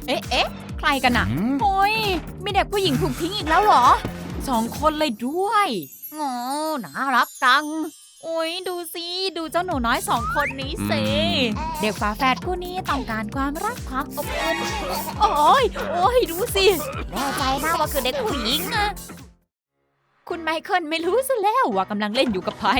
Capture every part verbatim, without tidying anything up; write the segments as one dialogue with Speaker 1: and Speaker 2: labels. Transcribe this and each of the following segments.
Speaker 1: เอ๊ะเอ๊ะใครกันน่ะโอ้ยมีเด็กผู้หญิงถูกทิ้งอีกแล้วเหรอสองคนเลยด้วยงอน่ารักจังโอ้ยดูสิดูเจ้าหนูน้อยสองคนนี้สิเด็กฝาแฝดคู่นี้ต้องการความรักความอบอุ่นโอ้ยโอ้ยดูสิแน่ใจนะว่าคือเด็กผู้หญิงอะคุณไมเคิลไม่รู้ซะแล้วว่ากำลังเล่นอยู่กับไผ่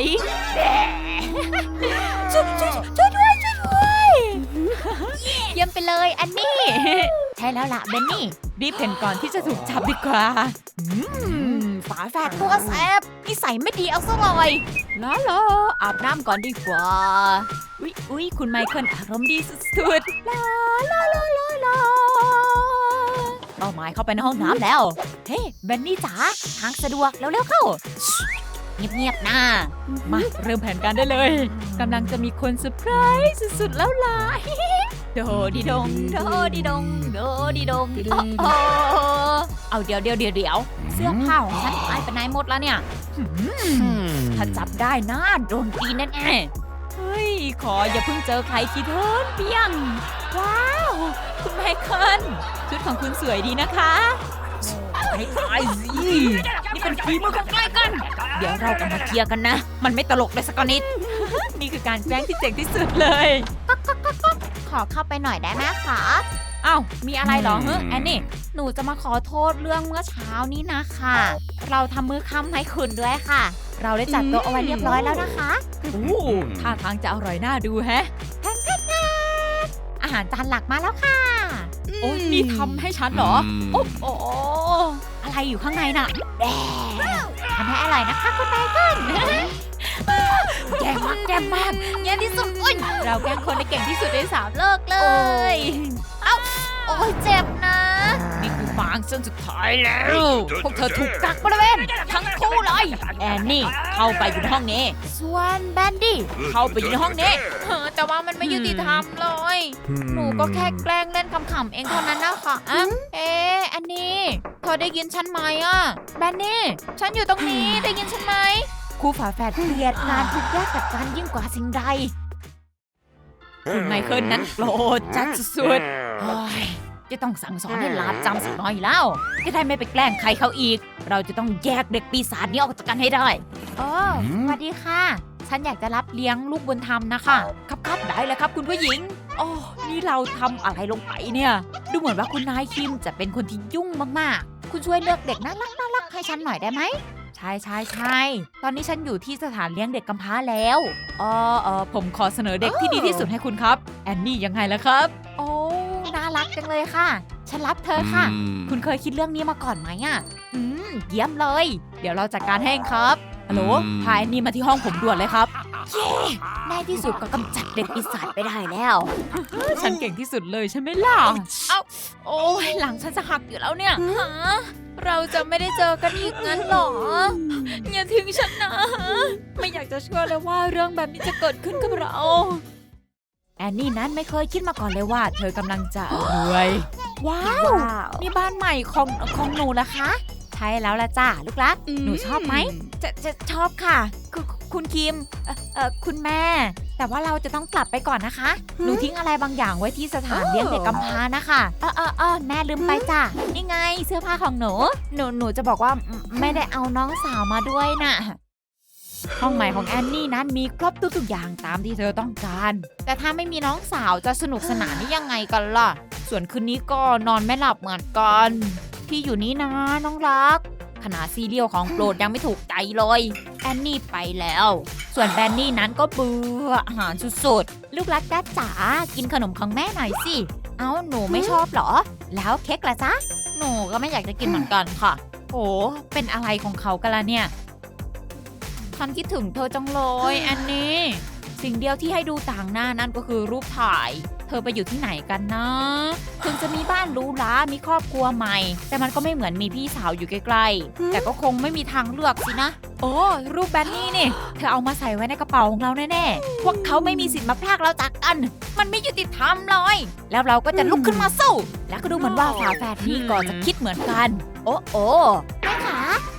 Speaker 1: ช่วยช่วยช่วยด้วยช่วยด้วยเยี่ยมไปเลยอันนี้ใช่แล้วล่ะเบนนี่รีบเพ่นก่อนที่จะถูกจับดีกว่าฝาแฝดตัวแสบนิสัยไม่ดีเอาซะเลยล้อล้ออาบน้ำก่อนดีกว่าอุ๊ยอุ๊ยคุณไมเคิลอารมณ์ดีสุดๆลาลาลาลาลาเป้าหมายเข้าไปในห้องน้ำแล้วเฮ้เบนนี่จ๋าทางสะดวกเร็วๆเข้าเงียบๆนะมาเริ่มแผนการได้เลยกำลังจะมีคนเซอร์ไพรส์สุดๆแล้วล่ะโดดีดงโดดีดงโดดีดงโอ้เอาเดี๋ยวเดี๋ยวเดี๋ยวเดี๋ยวเสื้อผ้าของฉันหายไปไหนหมดแล้วเนี่ยถ้าจับได้นะโดนตีแน่ๆเฮ้ยขออย่าเพิ่งเจอใครทีเถิดเปียงว้าวคุณไมเคิลชุดของคุณสวยดีนะคะให้ตายสินี่เป็นฝีมือของใครกันเดี๋ยวเรากันมาเคลียร์กันนะมันไม่ตลกเลยสักนิดนี่คือการแกล้งที่เจ๋งที่สุดเลยขอเข้าไปหน่อยได้ไหมคะอ้าวมีอะไรเหรอเฮ้ยแอนนี่หนูจะมาขอโทษเรื่องเมื่อเช้านี้นะคะเราทำมื้อค่ำให้คุณด้วยค่ะเราได้จัดโต๊ะเอาไว้เรียบร้อยแล้วนะคะโอ้ท่าทางจะอร่อยน่าดูแฮะอาหารจานหลักมาแล้วค่ะโอ้ยนี่ทำให้ฉันเหรอโอ้โหอะไรอยู่ข้างในน่ะแดงทำให้อร่อยนะคะคุณไมเคิลแย่มากแย่มากแย่ที่สุดอุ้ยเราแกล้งคนได้เก่งที่สุดในสามโลกเลยเอ้าโอ้ยเจ็บนะนี่คือฟางเส้นสุดท้ายแล้วพวกเธอถูกกักบริเวณทั้งคู่เลยแอนนี่เข้าไปอยู่ในห้องนี้ส่วนแบนดี้เข้าไปอยู่ในห้องนี้แต่ว่ามันไม่ยุติธรรมเลยหนูก็แค่แกล้งเล่นขำๆเองเท่านั้นนะคะอ่ะเอ๊ะอันนี้เธอได้ยินฉันไหมอ่ะแบนนี่ฉันอยู่ตรงนี้ได้ยินฉันไหมคู่ฝาแฝดเกลียดงานทุกยากกับการยิ่งกว่าสิ่งใดคุณไมเคิลนั้นโกรธจัดสุดๆจะต้องสั่งสอนให้ลาบจำสักหน่อยแล้วจะได้ไม่ไปแกล้งใครเขาอีกเราจะต้องแยกเด็กปีศาจนี้ออกจากกันให้ได้โอ้สวัสดีค่ะฉันอยากจะรับเลี้ยงลูกบุญธรรมนะคะครับครับได้เลยครับคุณผู้หญิงโอ้นี่เราทำอะไรลงไปเนี่ยดูเหมือนว่าคุณนายคิมจะเป็นคนที่ยุ่งมากๆคุณช่วยเลือกเด็กน่ารักน่ารักให้ฉันหน่อยได้ไหมใช่ใช่ใช่ตอนนี้ฉันอยู่ที่สถานเลี้ยงเด็กกำพร้าแล้วอ๋อเออผมขอเสนอเด็กที่ดีที่สุดให้คุณครับแอนนี่ยังไงล่ะครับโอ้น่ารักจังเลยค่ะฉันรับเธอค่ะคุณเคยคิดเรื่องนี้มาก่อนไหมอ่ะอืมเยี่ยมเลยเดี๋ยวเราจัดการให้ครับฮัลโหลพาแอนนี่มาที่ห้องผมด่วนเลยครับเย้ในที่สุดก็กำจัดเด็กปีศาจไปได้แล้วฉันเก่งที่สุดเลยใช่ไหมล่ะเอ้าโอ้ยหลังฉันจะหักอยู่แล้วเนี่ยฮะเราจะไม่ได้เจอกันอีกงั้นหรออย่าทิ้งฉันนะไม่อยากจะเชื่อเลยว่าเรื่องแบบนี้จะเกิดขึ้นกับเราแอนนี่นั้นไม่เคยคิดมาก่อนเลยว่าเธอกำลังจะรวยว้าวนี่บ้านใหม่ของของหนูละคะใช่แล้วละจ้าลูกรักหนูชอบไหมจะจะชอบค่ะคุณคุณคิมเอ่อเอ่อคุณแม่แต่ว่าเราจะต้องกลับไปก่อนนะคะหนูทิ้งอะไรบางอย่างไว้ที่สถานเลี้ยงเด็กกำพร้านะคะเออเออเออแม่ลืมไปจ้ะนี่ไงเสื้อผ้าของหนูหนูหนูจะบอกว่าไม่ได้เอาน้องสาวมาด้วยน่ะห้องใหม่ของแอนนี่นั้นมีครบทุกๆอย่างตามที่เธอต้องการแต่ถ้าไม่มีน้องสาวจะสนุกสนานได้ยังไงกันล่ะส่วนคืนนี้ก็นอนไม่หลับเหมือนกันพี่อยู่นี่นะน้องรักขนาดซีเรียลของโปรดยังไม่ถูกใจเลยแอนนี่ไปแล้วส่วนแบนนี่นั้นก็เบื่ออาหารสุดๆลูกรักจ้าจ๋ากินขนมของแม่หน่อยสิเอ้าหนูไม่ชอบเหรอแล้วเค้กล่ะจ๊ะหนูก็ไม่อยากจะกินเหมือนกันค่ะโอ้เป็นอะไรของเขากันล่ะเนี่ยฉันคิดถึงเธอจังเลยแอนนี่สิ่งเดียวที่ให้ดูต่างหน้านั่นก็คือรูปถ่ายเธอไปอยู่ที่ไหนกันนะถึงจะมีบ้านหรูหรามีครอบครัวใหม่แต่มันก็ไม่เหมือนมีพี่สาวอยู่ใกล้ๆแต่ก็คงไม่มีทางเลือกสินะโอ้รูปแบนนี่นี่เธอเอามาใส่ไว้ในกระเป๋าของเราแน่ๆพวกเขาไม่มีสิทธิ์มาพรากเราจากกันมันไม่ยุติธรรมเลยแล้วเราก็จะลุกขึ้นมาสู้แล้วก็ดูเหมือนว่าฝาแฝดนี่ก็จะคิดเหมือนกันโอ้โอ้แม่ขา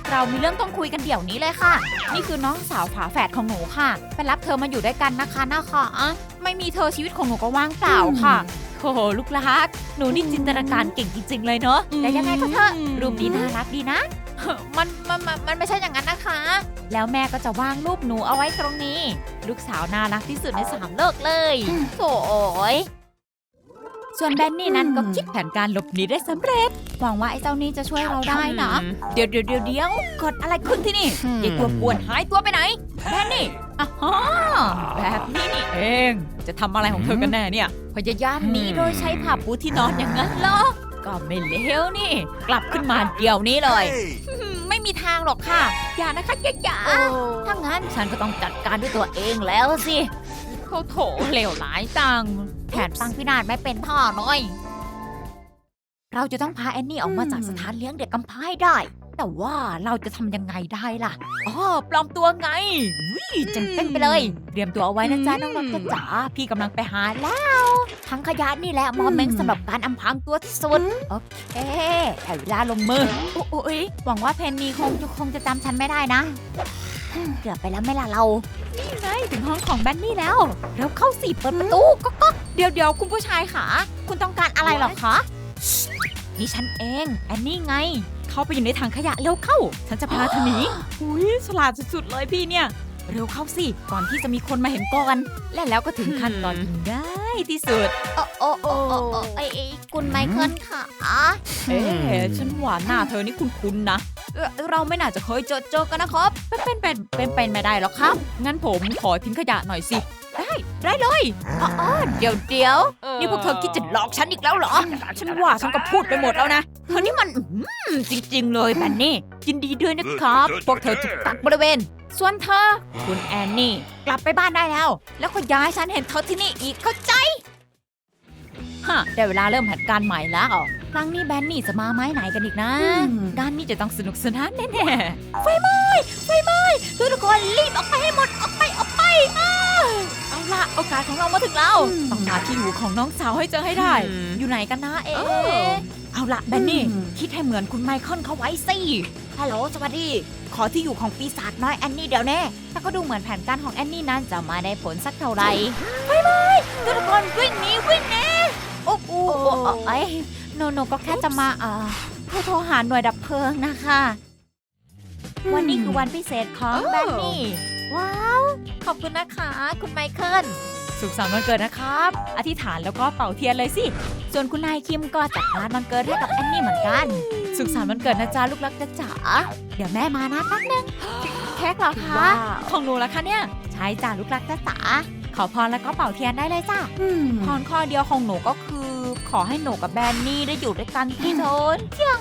Speaker 1: เรามีเรื่องต้องคุยกันเดี๋ยวนี้เลยค่ะนี่คือน้องสาวฝาแฝดของหนูค่ะไปรับเธอมาอยู่ด้วยกันนะคะนะคะไม่มีเธอชีวิตของหนูก็ว่างเปล่าค่ะโอ้โหลูกรักหนูนี่จินตนาการเก่งจริงๆเลยเนาะแต่ยังไงก็เถอะรูปนี้น่ารักดีนะมันมันมันมันไม่ใช่อย่างนั้นนะคะแล้วแม่ก็จะวางรูปหนูเอาไว้ตรงนี้ลูกสาวน่ารักที่สุดในสามโลกเลยโถ่ยส่วนแบนนี่นั้นก็คิดแผนการหลบหนีได้สำเร็จหวังว่าไอ้เจ้านี่จะช่วยเราได้นะเดี๋ยวเดี๋ยวเดี๋ยวเดี๋ยวกดอะไรขึ้นที่นี่ยายตัวป่วนหายตัวไปไหนแบนนี่อ่ะฮะแบบนี้นี่เองจะทำอะไรของเธอกันแน่เนี่ยพยายามหนีโดยใช้ผ้าปูที่นอนอย่างนั้นเหรอก็ไม่เลวนี่กลับขึ้นมาเดี๋ยวนี้เลยไม่มีทางหรอกค่ะอย่านะคะอย่าอย่าถ้างั้นฉันก็ต้องจัดการด้วยตัวเองแล้วสิโถโถเลวร้ายจังแผนฟังพินาศไม่เป็นท่อน้อยเราจะต้องพาแอนนี่ออกมาจากสถานเลี้ยงเด็กกำพร้าให้ได้แต่ว่าเราจะทำยังไงได้ล่ะอ๋อปลอมตัวไงวิจังเต้นไปเลยเตรียมตัวเอาไว้นะจ๊ะน้องๆจ๋าพี่กำลังไปหาแล้วทั้งขยะนี่แหละมอมเม้งสำหรับการอำพรางตัวที่สุดโอเคแต่เวลาลงมือโอ้ยหวังว่าเพนนีคงจะคงจะจำฉันไม่ได้นะเกือบไปแล้วไม่ล่ะเรานี่ไงถึงห้องของแบนนี่แล้วเร็วเข้าสิเปิดประตูก็ก็เดี๋ยวเดี๋ยวคุณผู้ชายค่ะคุณต้องการอะไรหรอคะนี่ฉันเองแอนนี่ไงเข้าไปอยู่ในถังขยะเร็วเข้าฉันจะพาเธอหนีอุ้ยฉลาดสุดๆเลยพี่เนี่ยเร็วเข้าสิก่อนที่จะมีคนมาเห็นก่อนและแล้วก็ถึงขั้นตอนที่ง่ายที่สุดโอ้โอ้โอ้โอ้ไอ้คุณไมเคิลค่ะเอ๊ะฉันว่าหน้าเธอนี่คุ้นๆนะเราไม่น่าจะเคยเจอเจอกันนะครับเป็นเป็นเป็นเป็นไม่ได้หรอกครับงั้นผมขอทิ้งขยะหน่อยสิได้ได้เลยอ๋อเดี๋ยวเดี๋ยวนี่พวกเธอคิดจะหลอกฉันอีกแล้วเหรอฉันว่าฉันก็พูดไปหมดแล้วนะเธอนี่มันจริงๆเลยแบนนี่ยินดีด้วยนะครับพวกเธอถูกตัดบริเวณส่วนเธอคุณแอนนี่กลับไปบ้านได้แล้วแล้วก็ย้ายฉันเห็นเธอที่นี่อีกเข้าใจฮะได้เวลาเริ่มแผนการใหม่แล้วครั้งนี้แบนนี่จะมาไม้ไหนกันอีกนะการนี้จะต้องสนุกสนานแน่ๆไฟไหม้ไฟไหม้ทุกคนรีบออกไปให้หมดออกไปออกไปเอาละโอกาสของเรามาถึงแล้วต้องหาที่อยู่ของน้องสาวให้เจอให้ได้อยู่ไหนกันนะเอ๊ะเอาละแบนนี่คิดให้เหมือนคุณไมเคิลเขาไว้สิฮัลโหลสวัสดีขอที่อยู่ของปีศาจน้อยแอนนี่เดี๋ยวแน่แต่ก็ดูเหมือนแผนการของแอนนี่นั้นจะมาได้ผลสักเท่าไหร่ไฟไหม้ทุกคนวิ่งหนีวิ่งหนีโอ้โหไอ้โนโนก็แค่จะมาเอ่อโทรหาหน่วยดับเพลิงนะคะวันนี้คือวันพิเศษของแบนนี่ว้าวขอบคุณนะคะคุณไมเคิลสุขสันต์วันเกิดนะครับอธิษฐานแล้วก็เป่าเทียนเลยสิส่วนคุณนายคิมก็จัดงานวันเกิดให้กับแอนนี่เหมือนกันสุขสันต์วันเกิดนะจ๊ะลูกรักจ๋าเดี๋ยวแม่มานะแป๊บนึงเค้กเหรอคะของหนูละคะเนี่ยใช่จ้ะลูกรักจ๋าขอพรแล้วก็เป่าเทียนได้เลยจ้ะพรข้อเดียวของหนูก็คือขอให้หนูกับแบนนี่ได้อยู่ด้วยกันที่โทนเที่ยง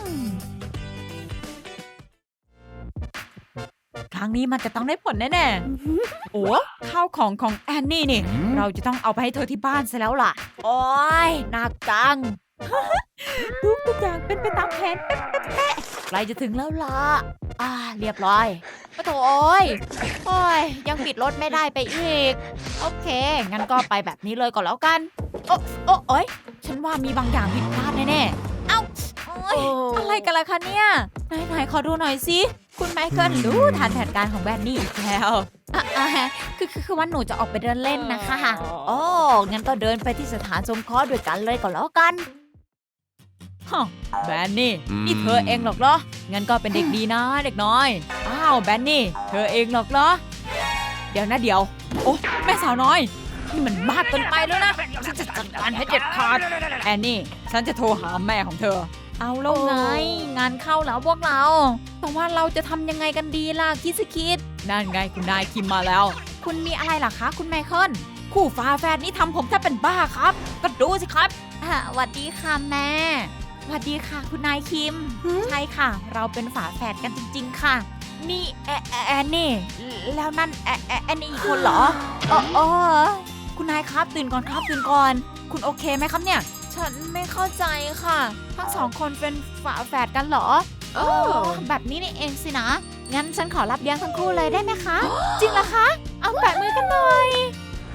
Speaker 1: ครั้งนี้มันจะต้องได้ผลแน่ๆโอ้ข้าวของของแอนนี่นี่เราจะต้องเอาไปให้เธอที่บ้านซะแล้วล่ะโอ้ยหนักจังทุกทุกอย่างเป็นไปตามแผนเป๊ะๆๆใกล้จะถึงแล้วล่ะอ่าเรียบร้อยโอ้โถโอ้ยโอ้ยยังปิดรถไม่ได้ไปอีกโอเคงั้นก็ไปแบบนี้เลยก่อนแล้วกันโอ้โอ้โอ้ยฉันว่ามีบางอย่างผิดพลาดแน่ๆเอ้าโอ้ยอะไรกันล่ะคะเนี่ยไหนๆขอดูหน่อยสิคุณไมเคิลรู้ทันแผนการของแบนนี่อีกแล้วอ่ะคือคือคือว่าหนูจะออกไปเดินเล่นนะคะโอ้งั้นก็เดินไปที่สถานสงเคราะห์ด้วยกันเลยก่อนแล้วกันฮะแบนนี่นี่เธอเองหรอกเหรองั้นก็เป็นเด็กดีนะเด็กน้อยอ้าวแบนนี่เธอเองหรอกเหรอเดี๋ยวนะเดี๋ยวโอ้แม่สาวน้อยนี่มันมากเกินไปแล้วนะฉันจะจัดการให้เด็ดขาดแอนนี่ฉันจะโทรหาแม่ของเธอเอาแล้วไงงานเข้าแล้วพวกเราแต่ว่าเราจะทำยังไงกันดีล่ะคิดสิคิดนั่นไงคุณนายคิมมาแล้วคุณมีอะไรล่ะคะคุณไมเคิลคู่ฟ้าแฝดนี่ทำผมแทบเป็นบ้าครับก็ดูสิครับอ่าสวัสดีค่ะแม่สวัสดีค่ะคุณนายคิมใช่ค่ะเราเป็นฝาแฝดกันจริงๆค่ะนี่แอแอนนี่แล้วนั่นแอแอนนี่อีกคนเหรออ๋ออ๋อคุณนายครับตื่นก่อนครับตื่นก่อนคุณโอเคไหมครับเนี่ยฉันไม่เข้าใจค่ะทั้งสองคนเป็นฝาแฝดกันเหรอโอ้แบบนี้นี่เองสินะงั้นฉันขอรับเลี้ยงทั้งคู่เลยได้ไหมคะจริงเหรอคะเอาแปะมือกันหน่อย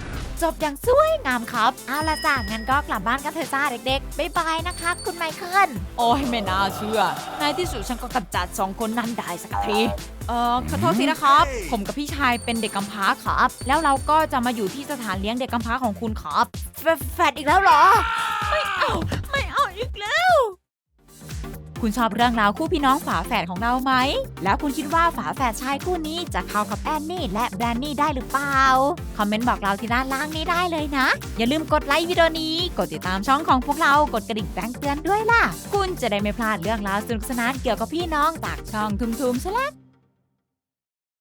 Speaker 1: จบอย่างสวยงามครับเอาละจ้ะงั้นก็กลับบ้านกันเถอะจ้าเด็กๆบ๊ายบายนะคะคุณไมเคิลโอ้ยไม่น่าเชื่อในที่สุดฉันก็กำจัดสองคนนั้นได้สักทีเอ่อขอโทษทีนะครับผมกับพี่ชายเป็นเด็กกำพร้าครับแล้วเราก็จะมาอยู่ที่สถานเลี้ยงเด็กกำพร้าของคุณครับแฟแฟดอีกแล้วเหรอไม่เอาไม่เอาอีกแล้วคุณชอบเรื่องราวคู่พี่น้องฝาแฝดของเราไหมแล้วคุณคิดว่าฝาแฝดชายคู่นี้จะเข้ากับแอนนี่และแบรนนี่ได้หรือเปล่าคอมเมนต์บอกเราที่ด้านล่างนี้ได้เลยนะอย่าลืมกดไลค์วิดีโอนี้กดติดตามช่องของพวกเรากดกระดิ่งแจ้งเตือนด้วยล่ะคุณจะได้ไม่พลาดเรื่องราวสนุกสนานเกี่ยวกับพี่น้องจากช่องทุมๆสลัก